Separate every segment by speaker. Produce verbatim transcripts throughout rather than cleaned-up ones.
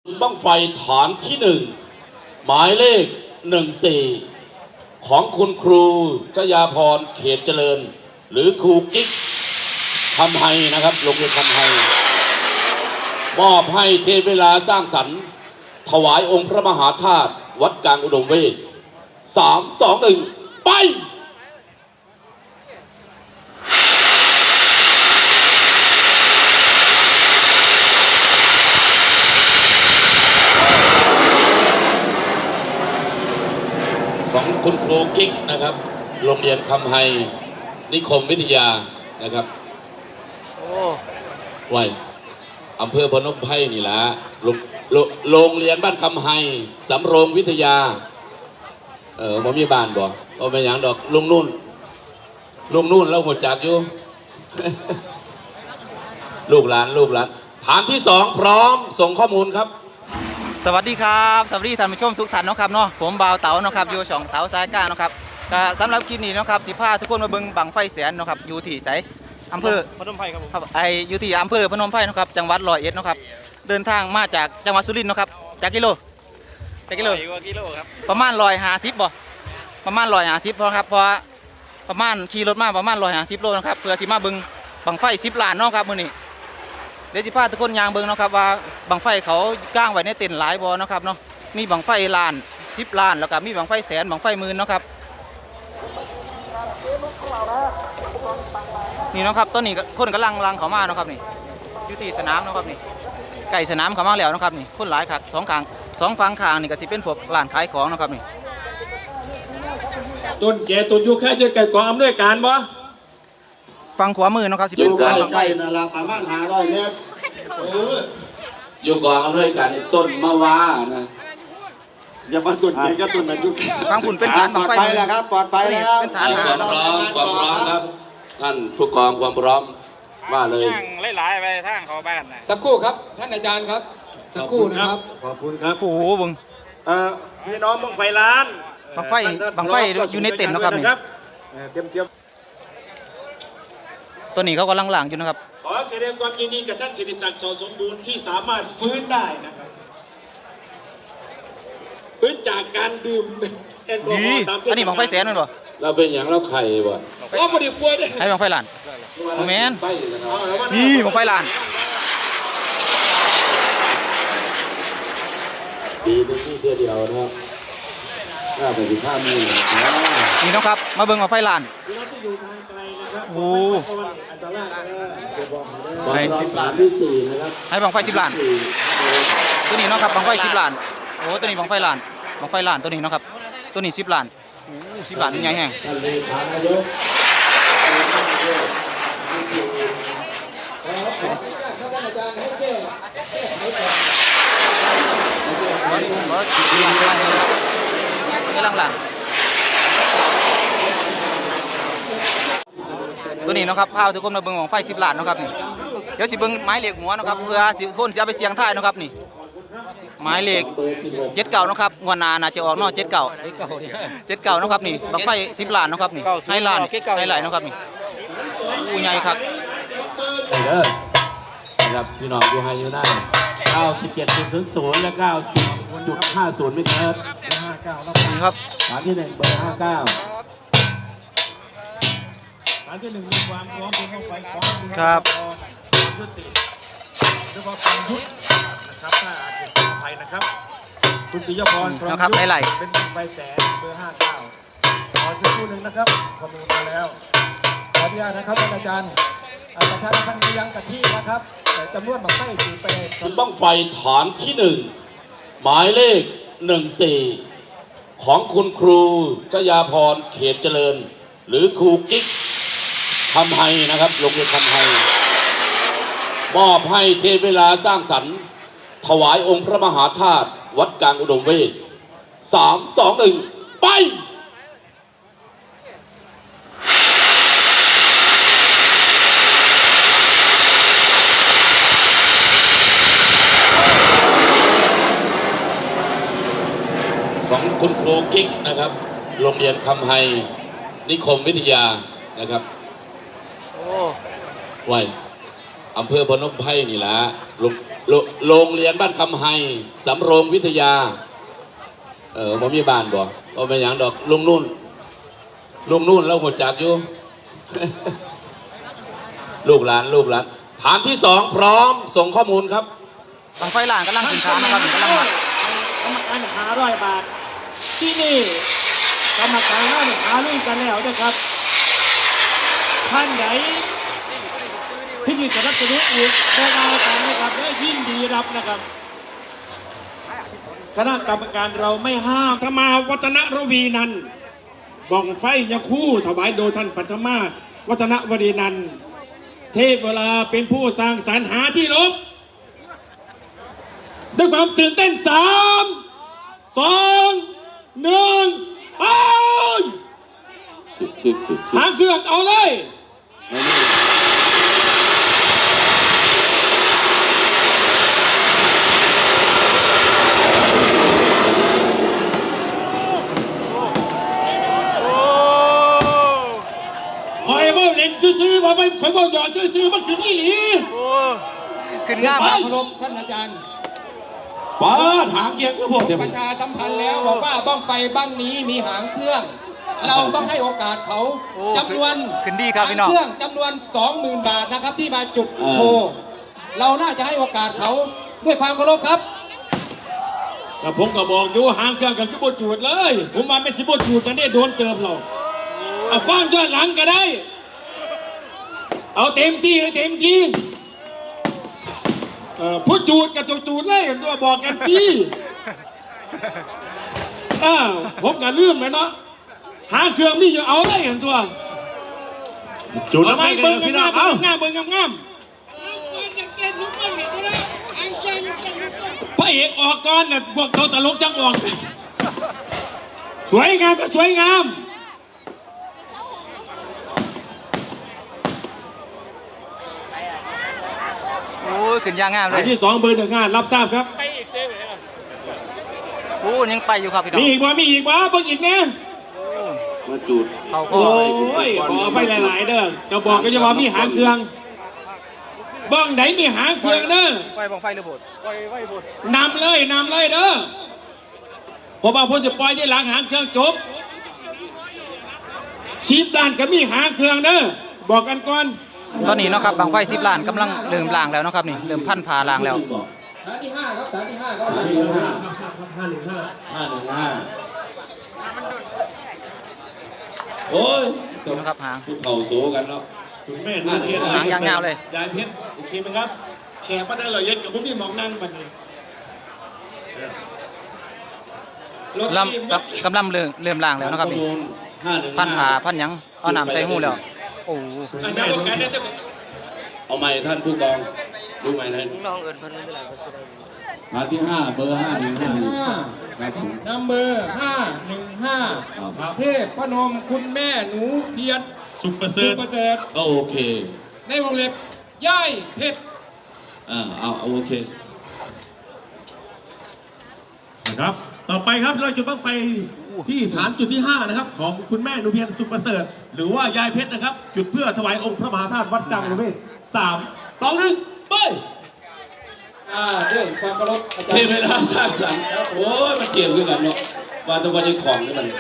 Speaker 1: บั้งไฟฐานที่หนึ่งหมายเลขหนึ่งสี่ของคุณครูชยาพรเขตเจริญหรือครูกิ๊กคำไฮนะครับโรงเรียนคำไฮมอบให้เทพเวลาสร้างสรรค์ถวายองค์พระมหาธาตุวัดกลางอุดมเวทสามสองหนึ่งไปของคุณครูกิ๊กนะครับโรงเรียนคำไฮนิคมวิทยานะครับโอ้ไว้อำเภอพนมไพรนี่แหละโรงเรียนบ้านคำไฮสำโรงวิทยาเออบ่มีบ้านบ่เอาไปอย่างดอกลุงนุ่นลุงนุ่นแล้วหัวจักอยู่ ลูกหลานลูกหลานฐานที่สองพร้อมส่งข้อมูลครับ
Speaker 2: สวัสดีครับสวัสดีท่านผู้ชมทุกท่านนะครับเนาะผมบ่าวเต๋านะครับอยู่ช่องเต๋าสายก้านะครับก็สำหรับคลิปนี้นะครับสิพาทุกคนมาเบิ่งบังไฟแสนนะครับอยู่ที่ไสอำเภอ
Speaker 3: พนมไพรครับผม
Speaker 2: ไออยู่ที่อำเภอพนมไพรนะครับจังหวัดร้อยเอ็ดนะครับเดินทางมาจากจังหวัดสุรินทร์นะครับจากกิโลจากกิโล
Speaker 3: กิโลครับ
Speaker 2: ประมาณร้อยห้าสิบบ่ประมาณร้อยห้าสิบพอครับเพราะประมาณขี่รถมาประมาณร้อยห้าสิบโลนะครับเพื่อสิมาเบิ่งบังไฟสิบล้านเนาะครับมื้อนี้เดี๋ยวสิพาทุกคนยางเบิ่งนะครับว่าบังไฟเขาก้างไว้ในเต็นท์หลายบ่นะครับเนาะมีบังไฟล้านสิบล้านแล้วก็มีบังไฟแสนบังไฟหมื่นเนาะครับนี่นะครับต้นนี้คนกำลังลังเขามาเนาะครับนี่อยู่ที่สนามเนาะครับนี่ไก่สนามเขามาแล้วนะครับนี่คนหลายครับสองข้างสองฝั่งข้างนี่ก็สิเป็นพวกร้านขายของเนาะครับนี่
Speaker 3: ต้นแก่ต้นยุคแค่จะไก่กองอำนวยการบ่
Speaker 2: ฝั่งขวามือนะครับสิเป็น
Speaker 1: การ
Speaker 3: บังไฟนั่นละประมาณห้าร้อยเมตร
Speaker 1: อยู่กองอำนวยการต้นมะวานะ
Speaker 3: อย่ามาต้นแก่ก็ต้นนั้นยุค
Speaker 2: ฝั่งคุณเป็นฐานบังไฟมือ
Speaker 3: ครับปลอดภัยแล้ว
Speaker 2: เป็นฐาน
Speaker 1: ความพร้อมความพร้อมครับท่านผู้กองความพร้อมว่าเลย
Speaker 4: ย่างหลายๆไปทางเขาบ้านนะ
Speaker 3: สักครู่ครับท่านอาจารย์ครับสักครู่นะครับขอบคุณครับ
Speaker 2: โอ้โหบึง
Speaker 3: เอ่อพี่น้องบังไฟล้าน
Speaker 2: บังไฟบังไฟอยู่ในเต็นท์นะครับนี่
Speaker 3: เตรียมเตรียม
Speaker 2: ตัวนี้เขากำลังหลังอยู่นะครับ
Speaker 3: ขอแสดงความยินดีกับท่านศิริศักดิ์สอนสมบูรณ์ที่สามารถฟื้นได้นะครับฟื้นจากการดื่มแอลกอฮอล์ตาม
Speaker 2: อันนี้บังไฟแสนนั่นบ่
Speaker 1: เราเป็นอย่างเราไข่บ่
Speaker 3: ว่าพอดีป่วยด้วย
Speaker 2: ให้บังไฟล้านโมเมนนี่บังไฟล้าน
Speaker 1: ปีนึงที่เดียวนะครับน่าเป็นสิบห้ามือ
Speaker 2: นี่นะครับมาเบิ่งบังไฟล้านโอ้
Speaker 1: ให้สิบล้านที่สี่นะครับ
Speaker 2: ให้บังไฟสิบล้านตัวนี้เนาะครับบังไฟสิบล้านโอ้ตัวนี้บังไฟล้านบังไฟล้านตัวนี้เนาะครับตัวนี้สิบล้านโอ้สิบล้านใหญ่แห้งกำลังหลังตัวนี้นะครับพาทุกคนมาเบิ่งของไฟสิบล้านนะครับนี่เดี๋ยวสิเบิ่งไม้เหล็กหัวนะครับเพื่อสิคนจะเอาไปเสียงท้ายนะครับนี่ไม้เหล็กเจ็ดเก่านะครับงวดนาน่าจะออกนอกเจ็ดเก่าเจ็ดเก่านะครับนี่บังไฟสิบล้านนะครับนี่ให้ล้านให้ไหลนะครับนี่อู้ใหญ่ครับ
Speaker 1: ไปเด้อนะครับพี่น้องดูให้อยู่ได้เก้าสิบเจ็ดจุดศูนย์และเก้าสิบจุดห้าศูนย์ไม่เกิน
Speaker 2: ห้าเก้านี่ครับ
Speaker 1: ฐานที่หนึ่งเบอร์ห้าเก้า
Speaker 3: ฐานที่หนึ่งมีความพร้อมเป็นต้องไปพร้อม
Speaker 2: ครับ
Speaker 3: ยุติเรียกว่าความยุตินะครับถ้าอาจจะเป็นภัยนะครับคุณปิยพร
Speaker 2: นะครับไหล
Speaker 3: เป็นไฟแสนเบอร์ห้าเก้าขอสักครู่หนึ่งนะครับข้อมูลมาแล้วขออนุญาตนะครับอาจารย์ประชาชนยังกับที่นะครับจำนวนบังไฟสีไป
Speaker 1: บั้งไฟฐานที่หนึ่งหมายเลขหนึ่งสี่ของคุณครูชยาพรเขตเจริญหรือครูกิ๊กคำไฮนะครับโรงเรียนคำไฮมอบให้เทพเวลาสร้างสรรค์ถวายองค์พระมหาธาตุวัดกลางอุดมเวทสามสองหนึ่งไปของคุณครูกิ๊กนะครับโรงเรียนคำไฮนิคมวิทยานะครับโอ้ไว้อำเภอพนมไพรนี่ละโรงโรงโรงเรียนบ้านคำไฮสำโรงวิทยาเออบ่มีบ้านบ่บ่เป็นหยังดอกลุงนุ่นลุงนุ่นแล้วหัวจักอยู่ ลูกหลานลูกหลานฐานที่สองพร้อมส่งข้อมูลครับ
Speaker 2: บังไฟล้านกำลังขึ้นฐานนะครับกำลังมาก
Speaker 3: รรมการหาร้อยบาท ที่นี่กรรมการนั่นหารุ่นกันแล้วนะครับท่านไหนที่จะสนับสนุนอีกได้มากันนะครับได้ยินดีรับนะครับคณะกรรมการเราไม่ห้ามธรรมาวัฒนระวีนันท์บ้องไฟยาคู่ถวายโดยท่านปัทมาวัฒนวรีนันท์เทพเวลาเป็นผู้สร้างสรรค์หาที่ลบด้วยความตื่นเต้นสามสองหนึ่งไป
Speaker 1: ชึกชึกชึกชึก
Speaker 3: หางเครื่องเอาเลย
Speaker 1: ไม่นี่
Speaker 3: คอยว่าเล่นซื้อๆว่าไปคอยว่าหยอดซื้อๆมันคือนี่หลี
Speaker 2: โอ้ขึ้นงาม
Speaker 3: ไป
Speaker 2: ครับ
Speaker 3: เคารพท่านอาจารย์
Speaker 1: ป้าหางเกียงคือพวกเดียว
Speaker 5: ประชาสัมพันธ์แล้วบอกว่าบ้องไฟบ้างนี้มีหางเครื่อง เราต้องให้โอกาสเขา
Speaker 2: โอ้
Speaker 5: จำนวน
Speaker 2: ขึ้นดีครับพี่น้อง
Speaker 5: หางเครื่องจำนวน สองหมื่น บาทนะครับที่มาจุดโชว์เราน่าจะให้โอกาสเขาด้วยความเคารพครับ
Speaker 3: แต่ผมก็บอกอยู่หางเครื่องกับสิบจูดเลย ผมมาเป็นสิบจูดจะได้โดนเติมเราเอาฟังย้อนหลังก็ได้ เอาเต็มที่เลยเต็มที่เอ่อผู้จูดกับจูดเลยตัวบอกกันพี่อ้าวผมก็ลืมเลยเนาะหาเครื่องนี่อยู่เอาเลยเห็นตัวจูดแล้วไม่เบิ้งงามเอางามเบิ้งงามงามพระเอกออกก่อนเนี่ยพวกเขาตลกจังออกสวยงามก็สวยงาม
Speaker 2: โอ้ยขึ้นยางงามเล
Speaker 3: อั
Speaker 2: ย
Speaker 3: นที่สองเบอร์หนึ่งห้ารับทราบครับ
Speaker 2: โอ้ยังไปอยู่ครับพี่น้อง
Speaker 3: มีอีกว่ามีอีกว่าเบิ่งอีกเนี่ย
Speaker 1: มาจุด
Speaker 2: เขาก็
Speaker 3: โอ้ยขอไปหลายๆเด้อก็บอกก็จะว่ามีหางเครื่องบ้องไหนมีหางเครื่องเด้อ
Speaker 2: ไฟบังไฟหรือโบด
Speaker 3: นำเลยนำเลยเด้อเพราะว่าผมจะปล่อยที่หลังหางเครื่องจบสิบล้านก็มีหางเครื่องเด้อบอกกันก่อน
Speaker 2: ตอนนี้เนาะครับบังไฟสิบล้านกำลังเริ่มล่างแล้วเนาะครับนี่เริ่มพันผ่าล่างแล้ว
Speaker 5: ฐานที่ห้าครับฐานที่ห้าครับ
Speaker 3: ห้าหนึ่งห้าห้าหนึ่งห้า
Speaker 1: ห้าหนึ่งห้าโอ้ย
Speaker 2: ดูนะครับหาง
Speaker 1: ทุกเข่าโซกันเนาะ
Speaker 3: คุณแม่ดูเทียน
Speaker 2: หางยาวๆเลย
Speaker 3: ยายเพชรโอเคไหมครับแขกมาได้เราเย็นกับพวกนี้มองนั่งบันนี้
Speaker 2: ลำกำกำลังเริ่มเริ่มล่างแล้วนะครับนี่
Speaker 1: ห้าหนึ่ง
Speaker 2: พันผ่าพันหยังเอาน้ำใส่หูแล้วโอ้
Speaker 3: อันนี้โอกาสได้จะ
Speaker 1: เอาใหม่ท่านผู้กองดูใหม่ท่าน
Speaker 2: น้องเอิญเพิ่นไม่เป็นไร
Speaker 1: ฐานที่ห้าเบอร์ห้าหนึ่งห้าหนึ่งครับผม
Speaker 5: นัมเบอร์ห้าหนึ่งห้าเทพพนมคุณแม่หนูเพียร
Speaker 3: สุขประเส
Speaker 5: สุ
Speaker 3: ริฐ
Speaker 5: ประเสริฐ
Speaker 1: ก็โอเค
Speaker 5: ในวงเล็บย่ายเพชร
Speaker 1: อ่าเอาเอาโอเค
Speaker 3: นะครับ ต่อไปครับเราจุดบั้งไฟที่ฐานจุดที่ห้านะครับของคุณแม่หนูเพียรสุขประเสริฐหรือว่ายายเพชรนะครับ จุดเพื่อถวายองค์พระมหาธาตุวัดดังหรือไม่สามสองหนึ่งไป
Speaker 5: อ่าด้วยความเคารพอาจาร
Speaker 1: เท
Speaker 5: ย์
Speaker 1: เวลาสร้างสรรค์โอ้ยมันเกี่ยวกันเนาะว่าแตัววันยังของนี่มัน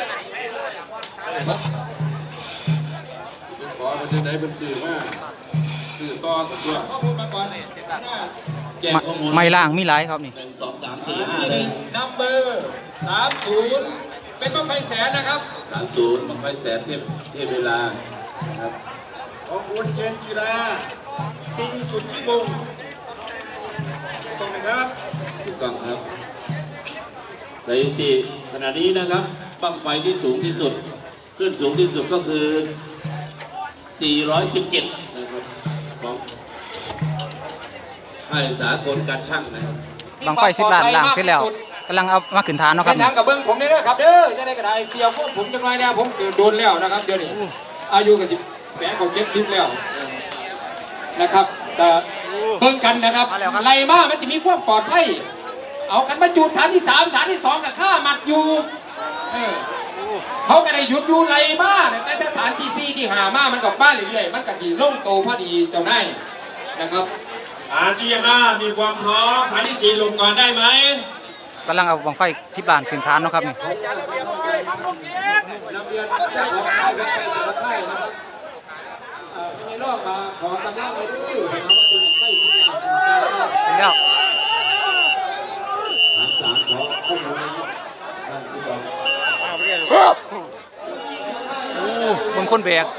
Speaker 6: ขอมันจะได้เป็นสื่อมากสื่อต่อสักตัว
Speaker 5: ข้อมูลมาก่อน
Speaker 1: แจ้งข้อมูล
Speaker 2: ไม่ล่างมีหลายครับนี่
Speaker 1: หนึ่งสองสามสี่ห้า
Speaker 5: ที่ห
Speaker 1: เล
Speaker 5: นึ่
Speaker 1: ย
Speaker 5: งนัมเบอร์สามศูนย์เป็นบ้างไฟแสนนะครับ
Speaker 1: สามศูนย์บังไฟแสนเทพเทพเวลาครับ
Speaker 6: ของคุณเจนจิราปิงสุดที่วงศ์ตรงนะครับ
Speaker 1: ถูกต้องครับสถิติขณะนี้นะครับบังไฟที่สูงที่สุดขึ้นสูงที่สุดก็คือสี่ร้อยสิบเจ็ดนะครับของค่ายสากลการช่างนะครับ
Speaker 2: บังไฟสิบล้านล่างเสร็จแล้วกำลังเอามาขึ้นฐานเนาะค
Speaker 5: เป็
Speaker 2: รับ
Speaker 5: นทางกับเบิ้งผมนี่นะครับเด้อจะได้กระไดเสียวพวกผมจังไรเนี่ยผมเกิดโดนแล้วนะครับเดี๋ยวนี้อายุกับสิบแปดของเจ็ดสิบแล้วนะครับแต่เบิ่งกันนะครับไรมากมันจะมีความปลอดภัยเอากันมาจูดฐานที่สามฐานที่สองกับข้ามัดอยู่เออเขาก็ได้หยุดอยู่ไรมากแต่ถ้าฐานที่สี่ที่หามามันกับบ้านเรื่อยๆมันก็สีล่งโตพอดีเจ้านายนะครับ
Speaker 6: ฐานที่ห้ามีความพร้อมฐานที่สี่ลงก่อนได้ไหม
Speaker 2: กำลังเอาบังไฟสิบล้านขึ้นฐานเนาะครับนี่
Speaker 5: นำเรียนเจ้าของค่ายครับแต่ละค่ายนะครับเอ่อในรอบมาขอกำลังไปด้วยนะครับว่าเป็นค่ายที่อยากจะ
Speaker 2: เป็นแล้ว
Speaker 1: ฐานสามขอข้อมูลนะครับท่านผู้กอง
Speaker 2: โอ้เบิ่งคนแบก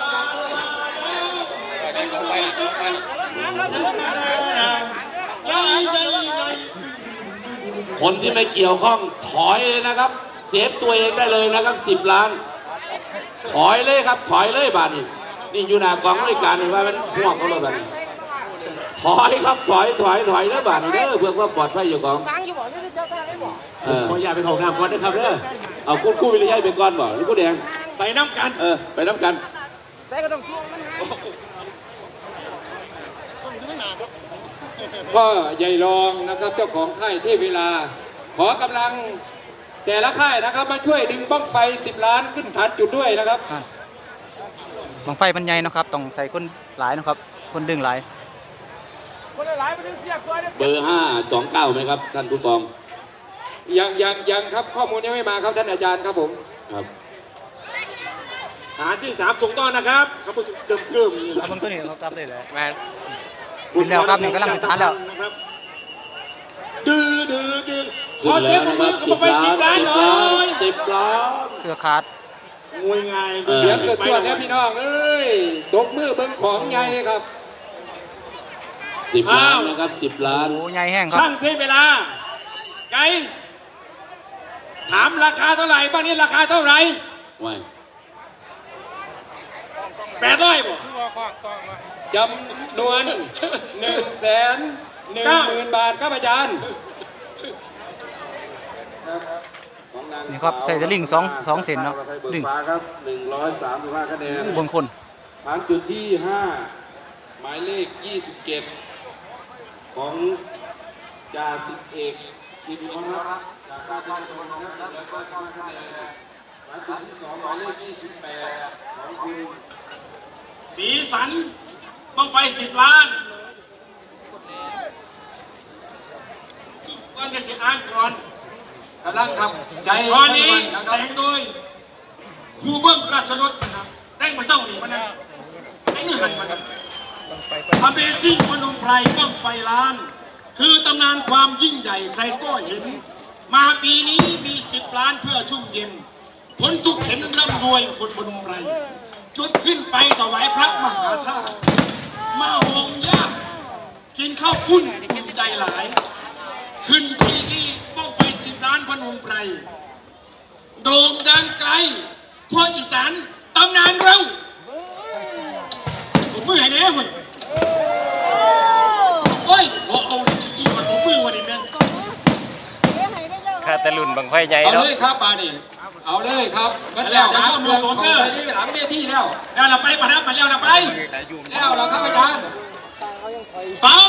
Speaker 1: คนที่ไม่เกี่ยวข้องถอยเลยนะครับเซฟตัวเองได้เลยนะครับสิบล้านถอยเลยครับถอยเลยบาทนี่นี่อยู่หน้ากองบริการนี่ว่ามันห่วงเขาเลยบาทนี่ถอยครับถอยถอยถอยแล้วบาทนี่เด้อเพื่อความปลอดภัยอยู่ของเออ
Speaker 3: ขออย่าไปของน้ำก่อนนะครับเด้อ
Speaker 1: เอาคู่คู่วิริยะไปก่อนบ่หรือคู่แดง
Speaker 3: ไปน้ำกัน
Speaker 1: เออไปน้ำกัน
Speaker 5: พ่อใหญ่รองนะครับเจ้าของค่ายเทพเวลา ขอกำลังแต่ละค่ายนะครับมาช่วยดึงบ้องไฟสิบล้านขึ้นฐานจุดด้วยนะครับ
Speaker 2: อ่ะบังไฟมันใหญ่เนาะครับต้องใส่คนหลายเนาะครับคนดึงหลาย
Speaker 1: เบอร์ห้าสองเก้าไหมครับท่านผู้กอง
Speaker 5: ยังยังยังครับข้อมูลยังไม่มาครับท่านอาจารย์ครับผม
Speaker 1: ครับ
Speaker 3: ฐานที่สามถูกต้องนะครับครับเกิมเกิมๆนี่แหละ
Speaker 2: เอาเบิ่งตัวนี้เขากลับได้เลยแม่นขึ้นแล้วครับนี่กำลังขึ้นฐานแล้ว
Speaker 3: นะครับดื้อดื้อดื้อข
Speaker 1: ขึ้
Speaker 3: อน เสี
Speaker 1: แล้
Speaker 3: ยง
Speaker 1: ว
Speaker 3: ปรบ
Speaker 1: นะค
Speaker 3: มื
Speaker 1: รั
Speaker 3: อบ กับ
Speaker 1: สิบ
Speaker 3: ไป
Speaker 1: ล้า
Speaker 3: สิบล้านหน่อย
Speaker 1: นสิบล้าน
Speaker 2: เสื้อขาด
Speaker 3: งวยง่าย
Speaker 1: เออ
Speaker 5: เสียงเกิดชวดเนี่ยพี่น้องเอ้ยตบมือเบิ้งของใหญ่ครับ
Speaker 1: สิบล้านนะครับสิบล้าน
Speaker 2: โอ้ใหญ่แห้งครับ
Speaker 3: ช่างเทเวลา ไกด์ถามราคาเท่าไหร่บ้านนี้ราคาเท่าไหร่
Speaker 1: ไว้
Speaker 3: แปดร้อยบ่
Speaker 5: จำนวนหนึ่งแสนหนึ่งหมื่นบาทครับอาจารย์
Speaker 2: นี่ครับใส่สลิงสองสองเซนเนาะดึง
Speaker 7: ครับหนึ่งร้อยสามสิบห้าคะแนน
Speaker 2: อู้เบางคน
Speaker 7: ฐานจุดที่ห้าหมายเลขยี่สิบเจ็ดของจ่าสิบเอกอินทรรัตน์จากราชบุรีนะครับหนึ่งร้อยเก้าสิบเก้าคะแนนฐานจุดที่สองหมายเลขยี่สิบแปดของคุณ
Speaker 3: สีสันบังไฟสิบล้านก่อนจะเสียอ่านก่อน
Speaker 5: กำลังครับใจ
Speaker 3: ตอนนี้
Speaker 5: นะค
Speaker 3: แต่
Speaker 5: รับ
Speaker 3: งโดยครูเบิ้มราชรสนะครับแต่งมาเศร้านี่มันนะไอ้นี่หันมาครับ Amazing พนมไพรบังไฟล้าน คือตำนานความยิ่งใหญ่ใครก็เห็น มาปีนี้มีสิบล้านเพื่อชุ่มเย็นผลทุกเห็นร่ำรวยคนพนมไพรจุดขึ้นไปถวายพระมหาธาตุมาหงยากกินข้าวปุ้นภูมิใจหลาย ขึ้นที่นี่บ้องไฟสิบล้านพนมไพรโด่งดังไกลทั่วอีสานตำนานเราผมมือให้แน่เว้ยโอ้ยขอเอาจริงๆว่าผมมือวันนี้นะ
Speaker 4: ค่าแต่รุ่นบังไฟใหญ่
Speaker 5: เอา
Speaker 4: เนาะ
Speaker 5: เลยครับปานี่เอาเลยครับเบิดแล้วครับเรื่องของไปนี่หลังเวทีแล้ว
Speaker 3: แล้วเราไปปะนะไปแล้วเราไป
Speaker 5: แล้วเราครับอาจารย์
Speaker 3: สาม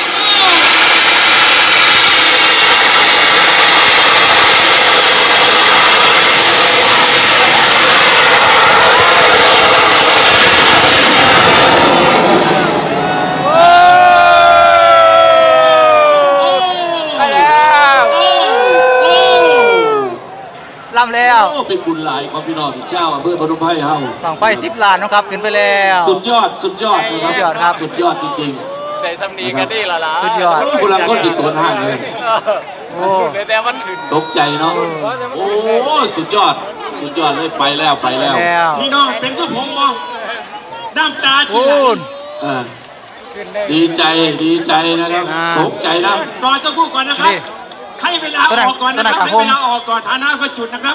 Speaker 2: ไปแล้วลำแล้ว
Speaker 1: โอ้เป็นบุญหลายของพี่น้องเจ้าอำเภอพนมไพรเฮา
Speaker 2: บังไฟสิบล้านเนาะครับขึ้นไปแล้ว
Speaker 1: สุดยอดสุดยอดนะครับ
Speaker 2: สุดยอดครับ
Speaker 1: สุดยอดจริง
Speaker 4: ใส่สำนีกันนี่ละล่ะ
Speaker 2: สุดยอด
Speaker 1: ๆคนละคนจิตตัวห้างเลย
Speaker 2: โอ้
Speaker 4: แต่มันขึ้น
Speaker 1: ตกใจเนาะโอ้สุดยอดสุดยอดเลยไปแล้วไปแล้ว
Speaker 2: แล้ว
Speaker 3: พี่น้องเป็นก็ผมมองน้ำตาจี
Speaker 2: โอ้
Speaker 3: ไหล
Speaker 1: เออดีใจดีใจนะครับ
Speaker 2: อ่า
Speaker 1: ตกใจนะ
Speaker 3: รอจะพูดก่อนนะครับ
Speaker 2: นี่
Speaker 3: ให้เวลาออกก่อนนะครับ
Speaker 2: ตัวไหน
Speaker 3: ให้เวลาออกก่อนฐานะก็จุดนะครับ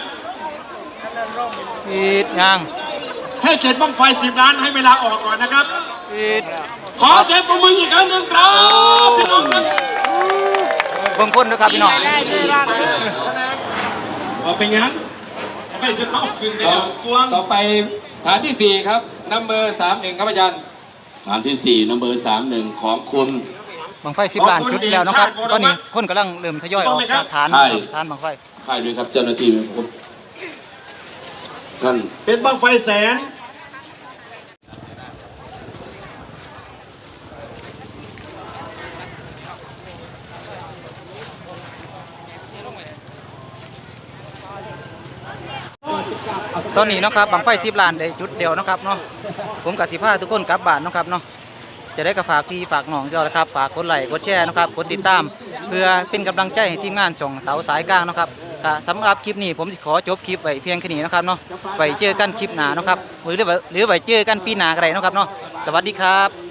Speaker 2: อีดยัง
Speaker 3: ให้เขตบ้างไฟสิบล้านให้เวลาออกก่อนนะครับ
Speaker 2: อีด
Speaker 3: ขอเสียงปรบมืออีกครั้งหนึ่งครับพี่น้องครับ
Speaker 2: เบิ่งคนด้วยครับพี่น้อง
Speaker 3: เอาไปงั้นเอาไปเสียเขาคืนไปแล้วสวง
Speaker 5: ต่อไปฐานที่สี่ครับนัมเบอร์สามหนึ่งครับอาจารย์
Speaker 1: ฐานที่สี่นัมเบอร์สามหนึ่งของคุณ
Speaker 2: บังไฟสิบล้านจุดแล้วนะครับตอนนี้คนกำลังเริ่มทยอยออกจากฐาน
Speaker 1: ใช่
Speaker 2: ฐานบังไฟ
Speaker 1: ใครด้วยครับเจ้าหน้าที่ผมท่าน
Speaker 3: เป็นบ้างไฟแสน
Speaker 2: ตอนนี้เนาะครับบังไฟสิบล้านได้จุดเดียวเนาะครับเนาะผมกับสิพาทุกคนกลับบ้านเนาะครับเนาะจะได้กระฝากพี่ฝากน้องเจ้าละครับฝากกดไลค์กดแชร์นะครับกดติดตาม เพื่อเป็นกำลังใจให้ทีมงานช่องเต๋าสายกลางเนาะครับก็สำหรับคลิปนี้ผมสิขอจบคลิปไว้เพียงแค่นี้นะครับเนาะไปเจอกันคลิปหน้าเนาะครับหรือหรือไว้เจอกันปีหน้าก็ได้เนาะครับเนาะสวัสดีครับ